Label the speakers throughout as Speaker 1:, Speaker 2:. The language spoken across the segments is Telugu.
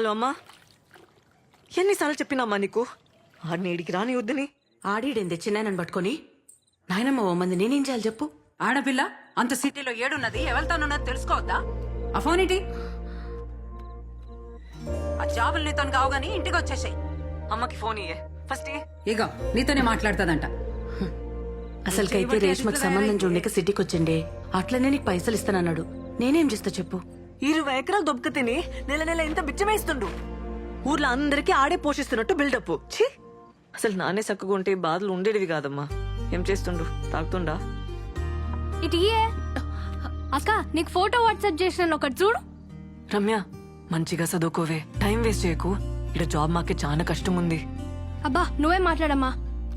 Speaker 1: హలో అమ్మా, ఎన్నిసార్లు చెప్పినామ్మా నీకు ఆడిని ఇడికి రాని వద్దని?
Speaker 2: ఆడిడేంది చిన్నాయనని పట్టుకొని నాయనమ్మ ఓ మంది నేనేం చేయాలి చెప్పు?
Speaker 3: ఆడపిల్ల అంత సిటీలో ఏడున్నది ఎవరితోనున్నది తెలుసుకోవద్దా? ఆ ఫోన్ ఏంటి? ఆ జాబులు నీతో కావు గానీ ఇంటికి వచ్చేసాయి.
Speaker 1: అమ్మకి ఫోన్ ఇయ్యే ఫస్ట్.
Speaker 3: ఇగో నీతోనే మాట్లాడుతుందంట.
Speaker 2: అసలుకైతే రేష్మకు సంబంధం చూడక సిటీకి వచ్చిండే, అట్లనే నీకు పైసలు ఇస్తానన్నాడు. నేనేం చేస్తా చెప్పు?
Speaker 1: 20 ఎకరాలు దొబ్బక తిని నెల నెల ఇంత బిచ్చమేస్తుండు. ఊర్లో అందరికీ ఆడే పోషిస్తున్నట్టు బిల్డప్. ఛీ, అసలు నానే చక్కగా ఉంటే బాధలు ఉండేటివి కాదమ్మా. ఏం చేస్తుండు? తాగుతుండా?
Speaker 4: ఇటు అక్క, నీకు ఫోటో వాట్సాప్ చేసిన ఒకటి చూడు.
Speaker 1: రమ్య, మంచిగా చదువుకోవే, టైం వేస్ట్ చేయకు. ఇక్కడ జాబ్ మాకే చాలా కష్టం ఉంది.
Speaker 4: అబ్బా నువ్వే మాట్లాడమ్మా.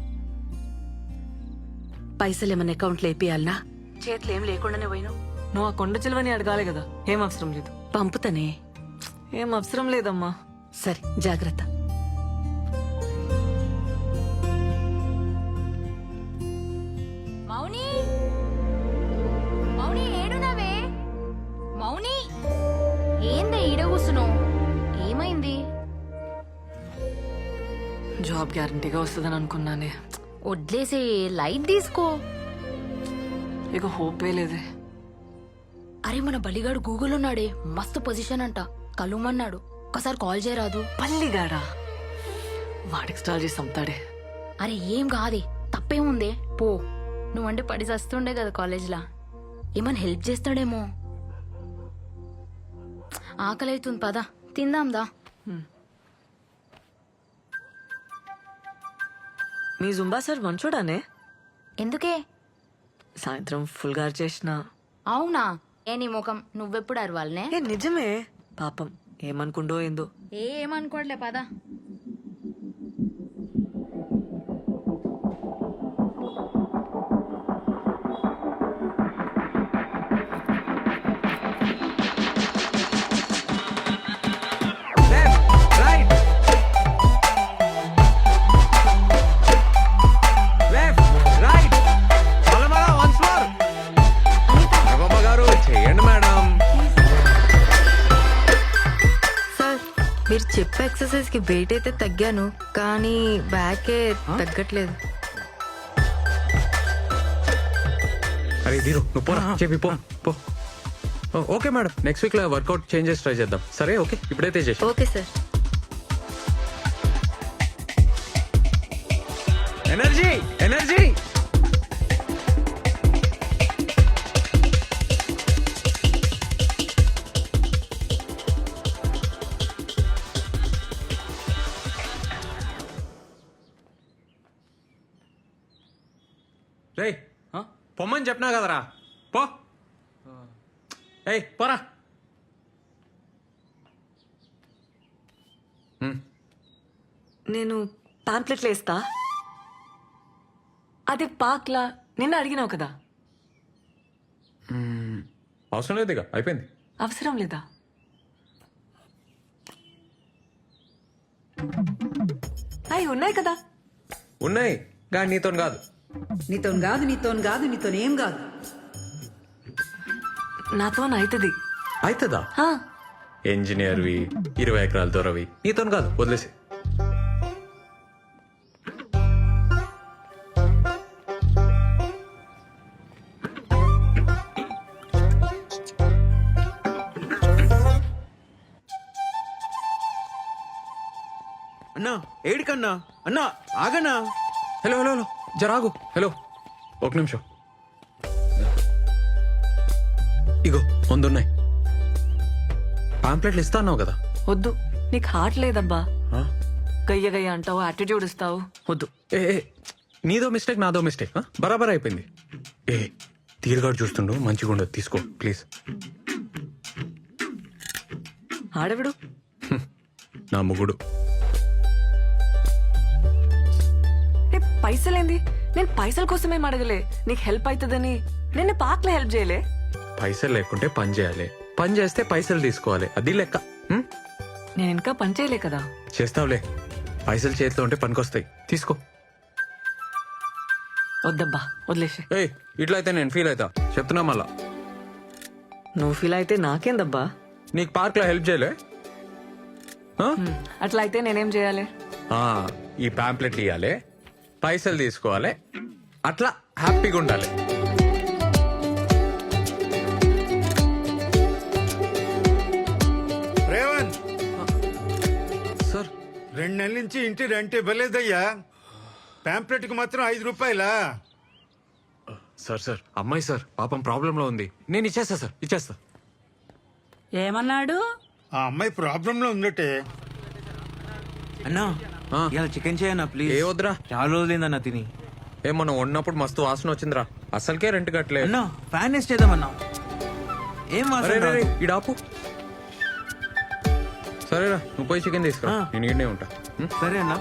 Speaker 2: పైసలు ఏమన్నా అకౌంట్లో వేపియాలనా? చేతులు ఏం లేకుండానే పోయినావు.
Speaker 1: నువ్వు ఆ కొండ చిలువని అడగాలి కదా. ఏం అవసరం లేదు.
Speaker 2: పంపుతానే.
Speaker 1: ఏం అవసరం లేదమ్మా.
Speaker 2: సరే జాగ్రత్త.
Speaker 4: మౌని, మౌని ఏడునవే? మౌని ఏందే ఈడ కూసున్నావు? ఏమైంది?
Speaker 1: జాబ్ గ్యారంటీగా వస్తుందని అనుకున్నానే.
Speaker 4: వడ్లేసే, లైట్ తీసుకో.
Speaker 1: ఇక హోపే లేదే.
Speaker 4: అరే మన బలిగాడు గూగుల్ ఉన్నాడే, మస్తు పొజిషన్ అంట, కలుమన్నాడు. ఒకసారి కాల్ చేయరాదు?
Speaker 1: పల్లిగాడా? వాడికి స్టాల్ చేసి అమ్ముతాడే.
Speaker 4: అరే ఏం కాదే, తప్పేముందే, పో. నువ్వంటే పడి చస్తుండే కదా కాలేజ్లా, ఏమన్నా హెల్ప్ చేస్తాడేమో. ఆకలి అవుతుంది, పద తిందాందా.
Speaker 1: మీ జుంబా సార్ మంచోడానే?
Speaker 4: ఎందుకే?
Speaker 1: సాయంత్రం ఫుల్ గారు చేసిన.
Speaker 4: అవునా? ఏ నీ ముఖం, నువ్వెప్పుడు అరవాలనే?
Speaker 1: ఏ నిజమే. పాపం ఏమనుకుండో ఏందో.
Speaker 4: ఏమనుకోవట్లే, పద.
Speaker 5: మీరు చెప్పే ఎక్సర్సైజ్ కి వెయిట్ అయితే తగ్గాను, కానీ బ్యాకే తగ్గట్లేదు.
Speaker 6: అరే దీరు నువ్వు పోరా, చెప్పి పో పో. ఓకే మేడం, నెక్స్ట్ వీక్ లో వర్కౌట్ చేంజెస్ ట్రై చేద్దాం. సరే ఓకే, ఇప్పుడైతే చేసి.
Speaker 5: Okay sir.
Speaker 6: Energy energy. రేయ్ పొమ్మని చెప్పినా కదరా, పో. ఏయ్ పోరా.
Speaker 1: నేను పాంప్లెట్లు వేస్తా. అదే పాక్లా నిన్న అడిగినావు కదా.
Speaker 6: అవసరం లేదు, ఇక అయిపోయింది.
Speaker 1: అవసరం లేదా? అవి ఉన్నాయి కదా.
Speaker 6: ఉన్నాయి కానీ నీతో కాదు.
Speaker 3: నీతోనేం కాదు.
Speaker 1: నాతో అవుతుంది.
Speaker 6: అవుతుందా? ఇంజనీర్వి, 20 ఎకరాల దొరవి, నీతో కాదు, వదిలేసి.
Speaker 7: అన్నా ఏడికన్నా? అన్నా ఆగన్నా.
Speaker 6: హలో హలో హలో, జరాగు. హలో ఒక నిమిషం. ఇగో ముందున్నాయి పాంప్లెట్లు. ఇస్తా అన్నావు కదా.
Speaker 1: వద్దు, నీకు హార్ట్ లేదబ్బా. గయ్య గయ్య అంటావు, యాటిట్యూడ్ ఇస్తావు. వద్దు.
Speaker 6: ఏ నీదో మిస్టేక్, నాదో మిస్టేక్. బరాబర్ అయిపోయింది. ఏ తీరుగాడు చూస్తుండు, మంచిగా ఉండదు, తీసుకో ప్లీజ్.
Speaker 1: ఆడవిడు
Speaker 6: నా ముగుడు.
Speaker 1: పైసలేంది? నేను పైసల కోసమేం అడగలే, నీకు హెల్ప్ అవుతుందని. నిన్న పాక్లో హెల్ప్ చేయలే.
Speaker 6: పైసలు లేకుంటే పని చేయాలి, పని చేస్తే పైసలు తీసుకోవాలి, అది లెక్క.
Speaker 1: నేను ఇంకా పని చేయలే కదా.
Speaker 6: చేస్తావులే, పైసలు చేతిలో ఉంటే పనికొస్తాయి, తీసుకో.
Speaker 1: వద్దబ్బా, వదిలేసే.
Speaker 6: ఏ ఇట్లా అయితే నేను ఫీల్ అవుతా, చెప్తున్నా మళ్ళా.
Speaker 1: నువ్వు ఫీల్ అయితే నాకేందబ్బా.
Speaker 6: నీకు పార్క్లో హెల్ప్ చేయలే?
Speaker 1: అట్లా అయితే నేనేం చేయాలి?
Speaker 6: ఈ పాంప్లెట్లు ఇవ్వాలి, పైసలు తీసుకోవాలి, అట్లా హ్యాపీగా ఉండాలి.
Speaker 8: రేవంత్,
Speaker 6: సార్
Speaker 8: 2 నెలల నుంచి ఇంటి రెంట్ ఇవ్వలేదయ్యా. పాంప్లెట్ కి మాత్రం 5 రూపాయలా?
Speaker 6: సార్ అమ్మాయి సార్ పాపం ప్రాబ్లంలో ఉంది. నేను ఇచ్చేస్తా సార్, ఇచ్చేస్తా.
Speaker 3: ఏమన్నాడు?
Speaker 8: ఆ అమ్మాయి ప్రాబ్లం లో ఉందటే.
Speaker 7: అన్నా
Speaker 6: ఆ.
Speaker 7: ఇలా చికెన్ చేయన్నా ప్లీజ్.
Speaker 6: ఏ వద్దురా,
Speaker 7: చాలా రోజులైందన్నా తిని.
Speaker 6: మనం ఉన్నప్పుడు మస్తు వాసన వచ్చిందిరా, అసలుకే రెంట్ కట్టలే.
Speaker 7: అన్నా ఫ్యాన్ వేస్ట్ చేద్దామన్నా. ఏం
Speaker 6: అరే
Speaker 7: వాసన
Speaker 6: రే రే,
Speaker 7: రాదు.
Speaker 6: ఈడాపు. సరేరా, నువ్వు పోయి చికెన్ తీసుకురా,
Speaker 7: ఆ.
Speaker 6: నేను ఈడనే ఉంటా.
Speaker 7: సరే అన్నా.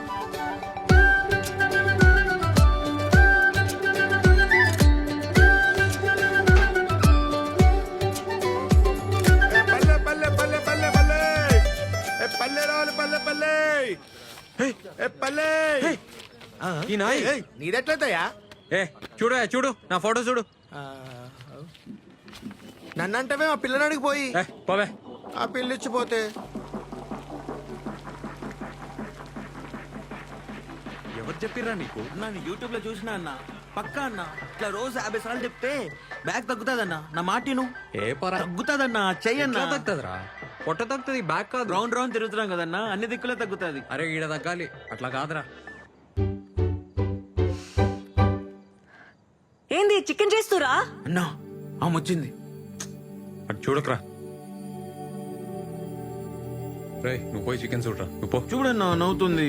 Speaker 8: పల్లె పల్లె పల్లె పల్లె పల్లె ఏ పల్లె రావాలి పల్లె పల్లె ఏ పల్లె.
Speaker 6: ఈ నాయ్
Speaker 9: నీదెట్లయితయా?
Speaker 6: చూడు నా ఫోటో చూడు.
Speaker 9: నన్నంటవే మా పిల్లనాడికి పోయి
Speaker 6: పోవే.
Speaker 9: ఆ పిల్లిచ్చిపోతే
Speaker 6: ఎవరు చెప్పిర్రా నీకు?
Speaker 7: అన్నా నేను యూట్యూబ్ లో చూసినా అన్న, పక్కా అన్న ఇట్లా రోజు 50 సార్లు చెప్తే బ్యాగ్ తగ్గుతాదన్నా. నా మాటిను
Speaker 6: ఏ పరా
Speaker 7: తగ్గుతాదన్నా. చెయ్యన్నా.
Speaker 6: తగ్గుతుందిరా, పొట్ట తగ్గుతుంది, బ్యాక్ కాదు.
Speaker 7: రౌండ్ రౌండ్ తిరుగుతున్నాం కదన్నా, అన్ని దిక్కులే తగ్గుతాది.
Speaker 6: అరే ఈడ తగ్గాలి, అట్లా కాదురా.
Speaker 1: ఏంది చికెన్ చేస్తురా?
Speaker 7: అన్నా ఆమె వచ్చింది.
Speaker 6: అటు చూడకరా. రే నువ్వు పోయి చికెన్ చూడరా, నువ్వు పో.
Speaker 7: చూడన్నా నవ్వుతుంది.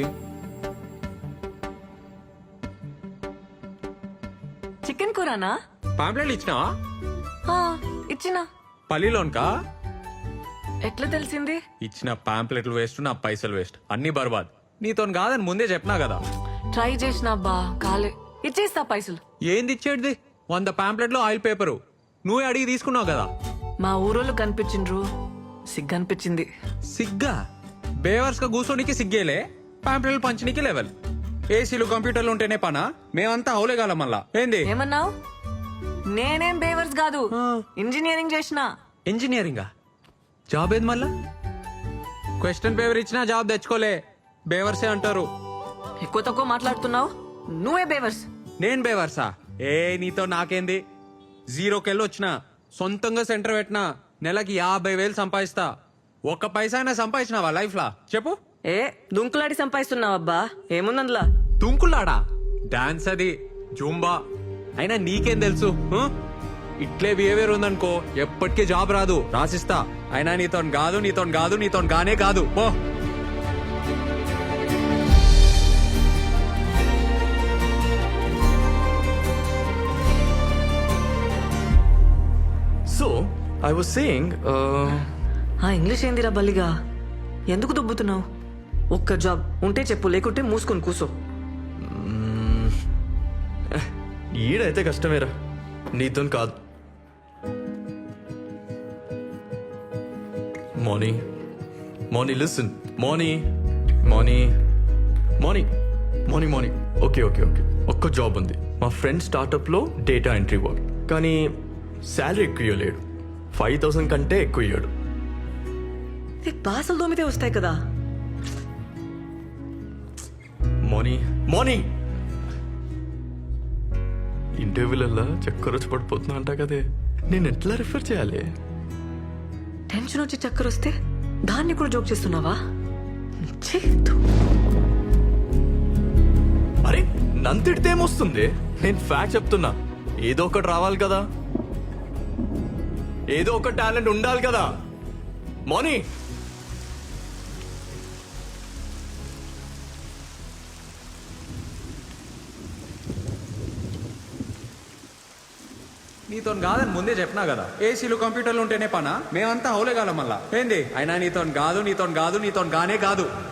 Speaker 1: చికెన్ కూరనా?
Speaker 6: పాంప్లెట్లు ఇచ్చినావా?
Speaker 1: ఆ, ఇచ్చినా.
Speaker 6: పల్లిలోన్కా?
Speaker 1: ఎట్లా తెలిసింది?
Speaker 6: ఇచ్చిన పాంప్లెట్లు వేస్ట్, నా పైసలు వేస్ట్, అన్ని బర్బాద్. నీతో కాదని ముందే చెప్పినా కదా.
Speaker 1: ట్రై చేసినా బా కాలే. ఇచ్చేస్తా పైసలు.
Speaker 6: ఏంది ఇచ్చేటిది? 100 పాంప్లెట్లు ఆయిల్ పేపరు నువ్వే అడిగి తీసుకున్నావు కదా.
Speaker 1: మా ఊరోళ్ళు కనిపించిండ్రు, సిగ్గనిపించింది.
Speaker 6: సిగ్గా? బేవర్స్ గా కూర్చోనికి సిగ్గేలే, పాంప్లెట్లు పంచనీకి లెవెల్. ఏసీలు కంప్యూటర్లు ఉంటేనే పనా? మేమంతా హౌలేగాలం మళ్ళా. ఏంది
Speaker 1: ఏమన్నావు? నేనేం బేవర్స్ కాదు, ఇంజనీరింగ్ చేసిన.
Speaker 6: ఇంజనీరింగా? జాబ్ ఏది మళ్ళా? క్వశ్చన్ పేపర్ ఇచ్చినా జాబ్ తెచ్చుకోలే, బేవర్సే అంటారు.
Speaker 1: ఎక్కువ తక్కువ మాట్లాడుతున్నావు, నువ్వే బేవర్స్.
Speaker 6: నేను బేవర్సా? నీతో నాకేంది? 0కెళ్ళి వచ్చిన, సొంతంగా సెంటర్ పెట్టినా, నెలకి 50,000 సంపాదిస్తా. ఒక్క పైసా అయినా సంపాదించినావా లైఫ్ లా చెప్పు?
Speaker 1: దుంకులాడి సంపాదిస్తున్నావబ్బా, ఏముందందులా?
Speaker 6: తుంకులాడా? డాన్స్ అది, జూంబా. అయినా నీకేం తెలుసు? ఇట్లే బిహేవియర్ ఉందనుకో ఎప్పటికీ జాబ్ రాదు, రాసిస్తా. అయినా నీతో గానే కాదు. పో.
Speaker 10: So, I was saying,
Speaker 1: ఆ ఇంగ్లీష్ ఏందిరా బల్లిగా? ఎందుకు దుబ్బుతున్నావు? ఒక్క జాబ్ ఉంటే చెప్పు, లేకుంటే మూసుకొని కూసో.
Speaker 10: ఈడైతే కష్టమేరా, నీతో కాదు. Morning listen, morning okay. ఒక్క జాబ్ ఉంది, మా ఫ్రెండ్ స్టార్టప్లో డేటా ఎంట్రీ వర్క్. కానీ శాలరీ ఎక్కువ ఇవ్వలేడు, 5,000 కంటే ఎక్కువ ఇయ్యాడు.
Speaker 1: బాసలు దోమితే వస్తాయి కదా.
Speaker 10: మార్నింగ్ ఇంటర్వ్యూలల్లా చక్కర వచ్చి పడిపోతున్నా అంట కదే, నేను ఎట్లా రిఫర్ చేయాలి?
Speaker 1: టెన్షన్ వచ్చి చక్కర వస్తే దాన్ని కూడా జోక్ చేస్తున్నావా?
Speaker 10: అరే నంతిడితే ఏమొస్తుంది? నేను ఫ్యాక్ట్ చెప్తున్నా, ఏదో ఒకటి రావాలి కదా, ఏదో ఒక టాలెంట్ ఉండాలి కదా. మార్నింగ్
Speaker 6: నీతో కాదని ముందే చెప్పినా కదా. ఏసీలు కంప్యూటర్లు ఉంటేనే పనా? మేమంతా హౌలేగాలం మళ్ళా. ఏంది? అయినా నీతో గానే కాదు.